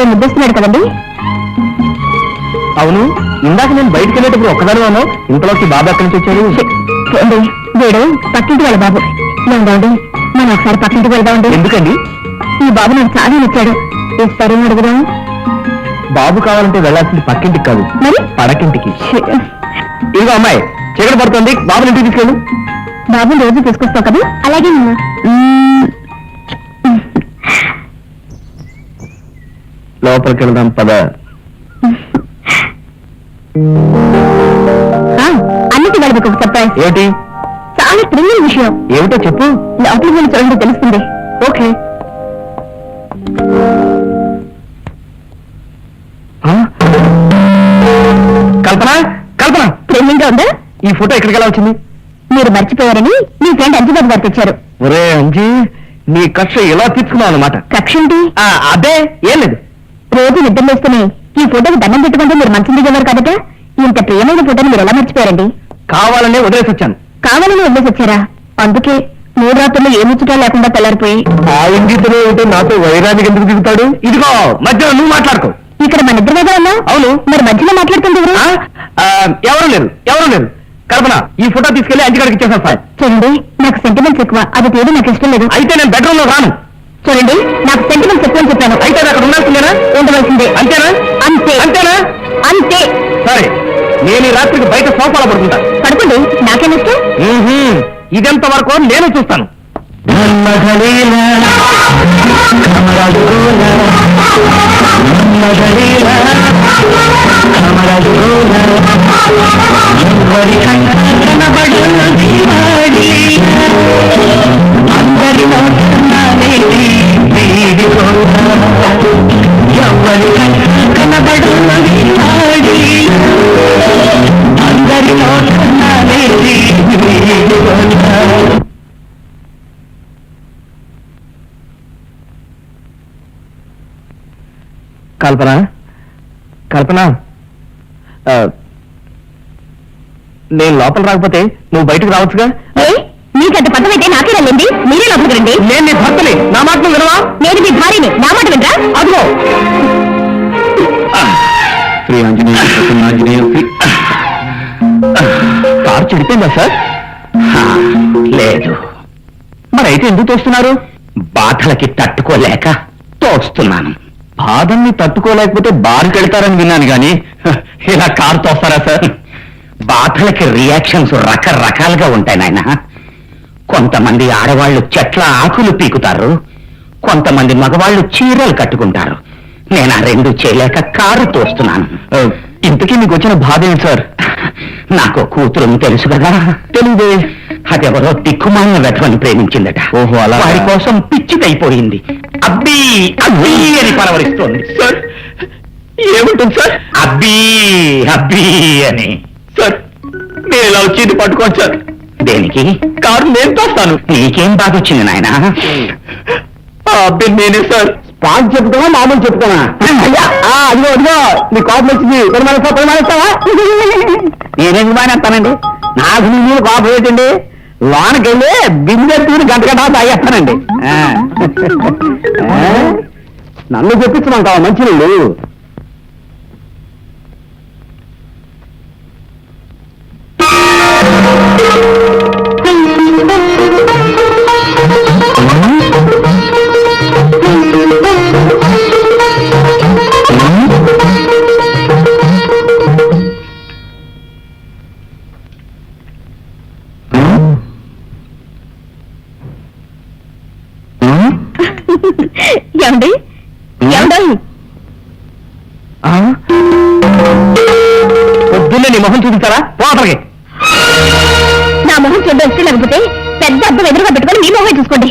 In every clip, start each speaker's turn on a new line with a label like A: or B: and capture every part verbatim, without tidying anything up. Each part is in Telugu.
A: భలే ముద్దొస్తున్నాడు కదండి.
B: అవును, ఇందాక నేను బయటకు వెళ్ళేటప్పుడు ఒక్కదాని ఉన్నావు, ఇంతలోకి బాబు ఎక్కడి నుంచి వచ్చాడు?
A: చూడండి, వీడు పక్కింటి వాళ్ళ బాబు. ఏమండి, మనం ఒకసారి పక్కింటికి వెళ్దామండి.
B: ఎందుకండి?
A: ఈ బాబు నాకు చాలా నచ్చాడు. ఇస్తారేమో అడుగుదాం.
B: బాబు కావాలంటే వెళ్ళాల్సింది పక్కింటికి కాదు,
A: మరి
B: పడకింటికి. ఇదిగో అమ్మాయి, చీకటి పడుతుంది, బాబుని ఇంటికి తీసుకెళ్ళు.
A: బాబుని రోజు తీసుకొస్తావు కదా? అలాగే
B: లోపలికి వెళ్దాం పద.
A: అన్నిటి వాళ్ళకి ఒక సర్ప్రైజ్.
B: ఏమిటి?
A: చాలా థ్రిల్లింగ్ విషయం.
B: ఏమిటో చెప్పు.
A: లోపలికి వెళ్ళి చూడండి, తెలుస్తుంది.
B: ఓకే. కల్పన, కల్పన,
A: థ్రిల్లింగ్ గా ఉందా?
B: ఈ ఫోటో ఎక్కడికి ఎలా వచ్చింది?
A: మీరు మర్చిపోయారని మీ ఫ్రెండ్ అంజబాబు గారు తెచ్చారు.
B: ఒరే అంజీ, నీ కక్ష ఎలా తీర్చుకున్నావు అన్నమాట.
A: కక్ష ఏంటి?
B: అదే, ఏం లేదు.
A: రోజు నిద్ర వేస్తూనే ఈ ఫోటోకి దండం పెట్టుకుంటే మీరు మంచం దిగేవారు కాబట్ట. ఇంత ప్రియమైన ఫోటోని మీరు ఎలా మర్చిపోయారండి?
B: కావాలనే వదిలేసి వచ్చాను.
A: కావాలని వదిలేసి వచ్చారా? అందుకే మూడు రాత్రులు ఏ ముచ్చటా లేకుండా తెల్లారిపోయి.
B: ఆ ఇంగితనే ఉంటే నాతో వైరానికి ఎందుకు దిగుతాడు? ఇదిగో మధ్యలో నువ్వు మాట్లాడుకో.
A: ఇక్కడ మన ఇద్దరు మీద ఉన్నా.
B: అవును,
A: మరి మధ్యలో మాట్లాడుతుంది ఎవరు?
B: ఎవరు లేరు, ఎవరు లేరు. కల్పన, ఈ ఫోటో తీసుకెళ్లి అంటికాడికి ఇచ్చేసాను సార్.
A: చూడండి, నాకు సెంటిమెంట్స్ ఎక్కువ, అది తీయడం నాకు ఇష్టం లేదు.
B: అయితే నేను బెడ్రూమ్ లో రాను.
A: చూడండి, నాకు సెంటిమెంట్స్ ఎక్కువ అని చెప్పాను.
B: అయితే అక్కడ ఉండాల్సిందేనా?
A: ఉండవలసిందే.
B: అంతేనా?
A: అంతే.
B: అంతేనా?
A: అంతే.
B: సరే, నేను ఈ రాత్రికి బయట సోఫాలో పడుకుంటా.
A: పడుకోండి, నాకేం ఇష్టం.
B: ఇదెంత వరకు నేను చూస్తాను. కల్పన, కల్పన, నేను లోపల రాకపోతే నువ్వు బయటకు రావచ్చుగా?
A: నీకంత పదమైతే నాకే రండి, మీరే లోపలికి రండి.
B: నేను నీ భర్తని, నా మాట నువ్వు వినవా?
A: నేను మీ భార్యని, నా మాట వినరా?
B: అదిగో శ్రీ ఆంజనేయ ఆంజనేయ కారు చెడిపోయిందా సార్? లేదు. మరైతే ఎందుకు తోస్తున్నారు? బాధలకి తట్టుకోలేక తోస్తున్నాను. బాధల్ని తట్టుకోలేకపోతే బారుకి వెళ్తారని విన్నాను గాని ఇలా కారు తోస్తారా సార్? బాధలకి రియాక్షన్స్ రకరకాలుగా ఉంటాయి నాయన. కొంతమంది ఆడవాళ్లు చెట్ల ఆకులు పీకుతారు, కొంతమంది మగవాళ్లు చీరలు కట్టుకుంటారు. నేను ఆ రెండు చేయలేక కారు తోస్తున్నాను. ఇంతకీ మీకు వచ్చిన బాధ ఏంటి సార్? నాకు కూతురుని తెలుసు కదా. తెలియదే. అదెవరో దిక్కుమాలిన వెధవని ప్రేమించిందట. ఓహో, అలా. వారి కోసం పిచ్చికైపోయింది. అబ్బీ అబ్బీ అని పలవరిస్తోంది. సార్ ఏముంటుంది సార్? అబ్బీ అబ్బీ అని. సార్ మీరు ఇలా వచ్చి పట్టుకోండి సార్. దేనికి? కారు నేను తోస్తాను. నీకేం బాధ వచ్చింది నాయన? అబ్బీ నేనే సార్. స్పాట్ చెప్తావా, మామూలు చెప్తావా? అదిగో అదిగో నీ కోపం వచ్చింది. మానేస్తావా? నేనేందుకు మానేస్తానండి? నాకు మీరు కోపం ఏంటండి? లోనకి వెళ్ళి బిందె తీరు గంట గంట తాగేస్తానండి. నన్ను చెప్పించమంటావా మంచి నీళ్ళు?
A: ఏమండి, ఏమండి,
B: పొద్దున్నే నీ మొహం చూపిస్తారా? పోతలకి.
A: నా మొహం చూడవచ్చు, లేకపోతే పెద్ద అద్దం ఎదురుగా పెట్టుకొని మీ మొహం చూసుకోండి.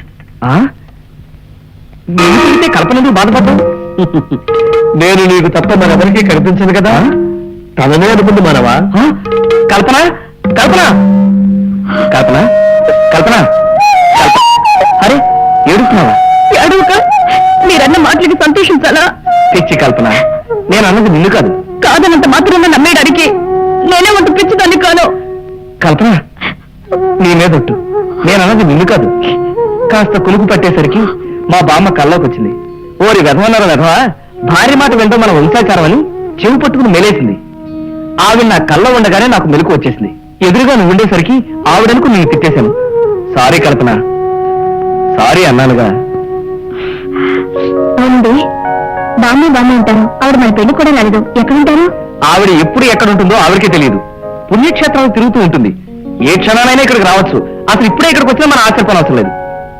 B: చూస్తే కల్పన ఎందుకు బాధపడ్డావు? నేను నీకు తప్ప మరెవరికి కనిపించదు కదా. తననే అనుకుంది మనవా? కల్పన, కల్పన, కల్పన, కల్పన, అరే ఏడుస్తున్నావా?
A: ఏడుక మీరన్న మాటలకి సంతోషించాలా?
B: పిచ్చి కల్పన, నేను అన్నది నిన్ను కాదు.
A: కాదనంత మాత్రమే నమ్మేయడానికి నేనే వంట పిచ్చిదాన్ని కాను.
B: కల్పన, నీ మీదొట్టు, నేను అన్నది నిన్ను కాదు. కాస్త కులుకు పట్టేసరికి మా బామ్మ కల్లోకి వచ్చింది. ఓరి వెధవన్నారు వెధవా, భార్య మాట వింటూ మన వంశాచారం అని చెవి పట్టుకుని మెలేసింది. ఆవిడ నా కళ్ళ ఉండగానే నాకు మెలకు వచ్చేసింది. ఎదురుగా నువ్వు ఉండేసరికి ఆవిడనుకు నేను తిట్టేశాను. సారీ కల్పన, సారీ అన్నానుగా.
A: అవునండి, బామ్మ బామ్మ ఉంటారు. ఆవిడ మన పెళ్లి కూడా రాలేదు. ఎక్కడుంటారు?
B: ఆవిడ ఎప్పుడు ఎక్కడ ఉంటుందో ఆవిడకే తెలియదు. పుణ్యక్షేత్రాలు తిరుగుతూ ఉంటుంది. ఏ క్షణానైనా ఇక్కడికి రావచ్చు. అసలు ఇప్పుడే ఇక్కడికి వచ్చినా మనం ఆశ్చర్యపోవడం అవసరం లేదు.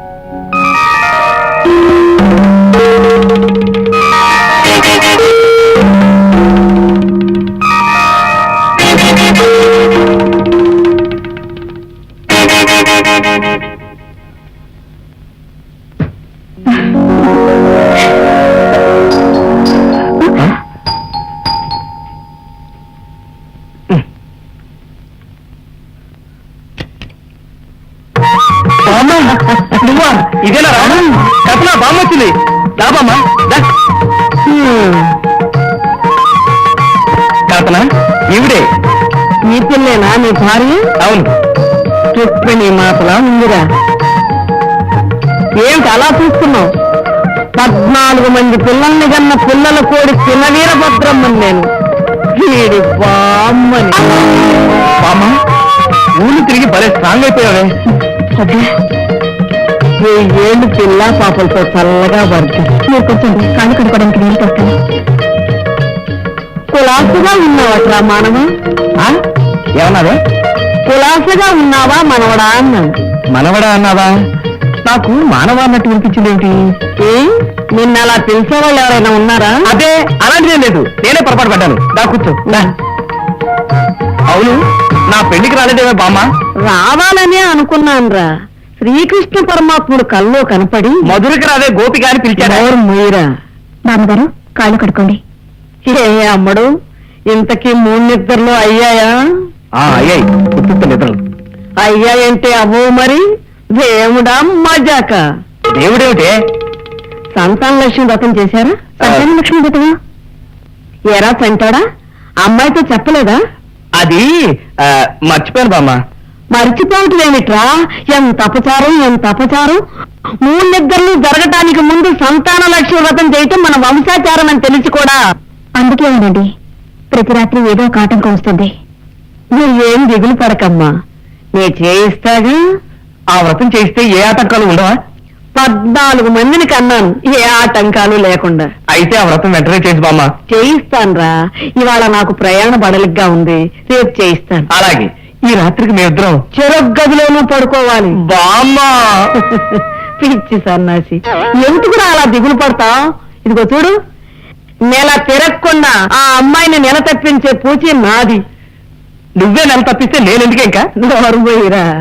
B: నువ్వా? ఇదేనా రావడం? కల్పన, బామ్మ వచ్చింది. దా బామ్మ, దా. కల్పన, ఈవిడే.
C: నీ పిల్లేనా నీ భార్య?
B: అవును.
C: చెప్పి నీ మాటలా ఉందిరా. ఏమిటి అలా చూస్తున్నావు? పద్నాలుగు మంది పిల్లల్ని కన్న పిల్లల కోడి పిల్లవీరభద్రమ్మని నేను. వీడి బామ్మని.
B: బామ్మ, ఊళ్ళు తిరిగి భలే స్ట్రాంగ్ అయిపోయావే.
C: ఏళ్ళు పిల్ల పాపలతో చల్లగా పడుతుంది.
A: మీరు కూర్చోండి, కాళ్ళు కడుక్కోవడానికి నీళ్ళు తెస్తాను.
C: కులాసగా ఉన్నావట్రా మానవ?
B: ఆ? ఏమన్నావే?
C: కులాసగా ఉన్నావా మనవడా అన్నాను.
B: మనవడా అన్నావా? నాకు మానవ అన్నట్టు వినిపించింది ఏమిటి?
C: ఏ నిన్న అలా పిలిచే వాళ్ళు ఎవరైనా ఉన్నారా?
B: అదే, అలాంటిదేం లేదు. నేనే పొరపాటు పడ్డాను. దా కూర్చో. దా. అవును, నా పెళ్లికి రాలేదేమే బామ్మ?
C: రావాలనే అనుకున్నానురా. శ్రీకృష్ణ పరమాత్ముడు కల్లో కనపడి
B: మధురకి రాదే గోపిక అని పిలిచాడు.
C: ఎవరు మొయ్యరా?
A: బామ్మగారు, కాళ్ళు కడుక్కోండి.
C: ఏ అమ్మడు, ఇంతకీ మూడు నిద్రలు అయ్యాయా?
B: ఆ, అయ్యాయి. ఉత్తుత్త నిద్రలు.
C: అయ్యాయంటే అవ్వు మరి. దేవుడా మజాక.
B: దేవుడేమిటే?
C: సంతాన లక్ష్మి వ్రతం చేశారా?
A: సంతాన లక్ష్మి వ్రతమా?
C: ఎరా సంటాడా? అమ్మాయితో చెప్పలేదా?
B: అది ఆ, మర్చిపోయాను బామ్మ.
C: మరిచిపోవటం ఏమిట్రా? ఎంత అపచారం, ఎంత అపచారం. మూడు నిద్రలు జరగటానికి ముందు సంతాన లక్ష్మి వ్రతం చేయటం మన వంశాచారం అని తెలిసి కూడా.
A: అందుకే ఉండండి, ప్రతి రాత్రి ఏదో ఒక ఆటంకం వస్తుంది.
C: నువ్వేం దిగులు పడకమ్మా, నే చేయిస్తాగా.
B: ఆ వ్రతం చేస్తే ఏ ఆటంకాలు ఉండవా?
C: పద్నాలుగు మందిని కన్నాను, ఏ ఆటంకాలు లేకుండా.
B: అయితే ఆ వ్రతం వెంటనే చేసి బామ్మ.
C: చేయిస్తాన్రా. ఇవాళ నాకు ప్రయాణ బడలిగ్గా ఉంది, రేపు చేయిస్తాను.
B: అలాగే, ఈ రాత్రికి మేమిద్దరం
C: చెరొక్క గదిలోనూ పడుకోవాలి.
B: బామ్మ.
C: పిచ్చి సన్నాసి, ఎందుకురా అలా దిగులు పడతావు? ఇదిగో చూడు, నెల తిరగకుండా ఆ అమ్మాయిని నెల తప్పించే పూచి నాది.
B: నువ్వే నెల తప్పిస్తే నేనెందుకే ఇంకా?
C: నోరు పోయిరా.